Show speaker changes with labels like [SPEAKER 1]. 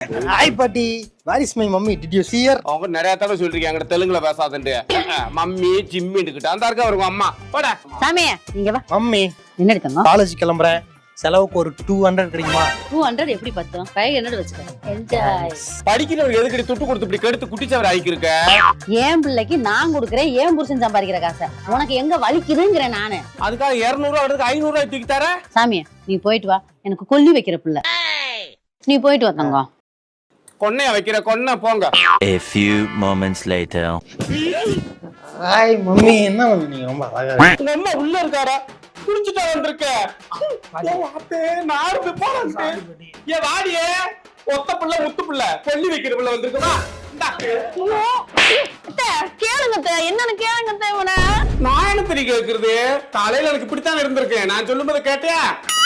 [SPEAKER 1] Hi பாட்டி, where is my mummy? Did you see her?
[SPEAKER 2] அவங்க நிறைய தடவை சொல்லிருக்கீங்க என்கிட்ட தெலுங்குல பேசாதன்ட்டு. மம்மி ஜிம்மின்னுக்கிட்ட அந்த இருக்கா இருக்கும் அம்மா போட.
[SPEAKER 3] சாமி நீங்க வா.
[SPEAKER 1] மம்மி
[SPEAKER 3] என்ன எடுத்தங்க?
[SPEAKER 1] காலேஜ் கிளம்புறேன், செலவுக்கு ஒரு 200 கிடைக்குமா?
[SPEAKER 3] 200 எப்படி பத்தும்? 500 வச்சுக்க. என்ஜாய்.
[SPEAKER 2] படிக்கிறவங்க எதுக்கடி துட்டு கொடுத்து இப்படி கெடுத்து குட்டிச்சவர் ஆகிக்கிருக்க?
[SPEAKER 3] ஏன் பிள்ளைக்கு நான் கொடுக்குறேன், ஏன் புருஷன் சம்பாதிக்கிற காசை உனக்கு எங்க வலிக்குதுங்கிறேன் நானு.
[SPEAKER 2] அதுக்காக 200 ரூபா எடுத்து 500 ரூபாய் தூக்கி தர?
[SPEAKER 3] சாமி நீ போயிட்டு வா, எனக்கு கொல்லி வைக்கிற பிள்ளை. நீ போயிட்டு வா தங்கம்.
[SPEAKER 2] கொன்னைய வைக்கிற கொன்ன போங்க.
[SPEAKER 4] A few moments later.
[SPEAKER 1] Hi mummy, என்ன பண்ணீங்க? ரொம்ப அழகா இருக்கு.
[SPEAKER 2] உங்க அம்மா உள்ள இருக்காரா? குடிச்சிட்டா வந்திருக்க. நாடு போறாங்க. ஏ வாடியே, ஒத்த புள்ள முத்து புள்ள கொல்லி வைக்கிற புள்ள வந்திருக்குமா?
[SPEAKER 3] கேளுங்க என்னன்னு கேளுங்க.
[SPEAKER 2] நான் என்ன தெரிய கேக்குறது? காலையில எனக்கு இப்படித்தான் இருந்திருக்கேன். நான் சொல்லும்போது கேட்டியா?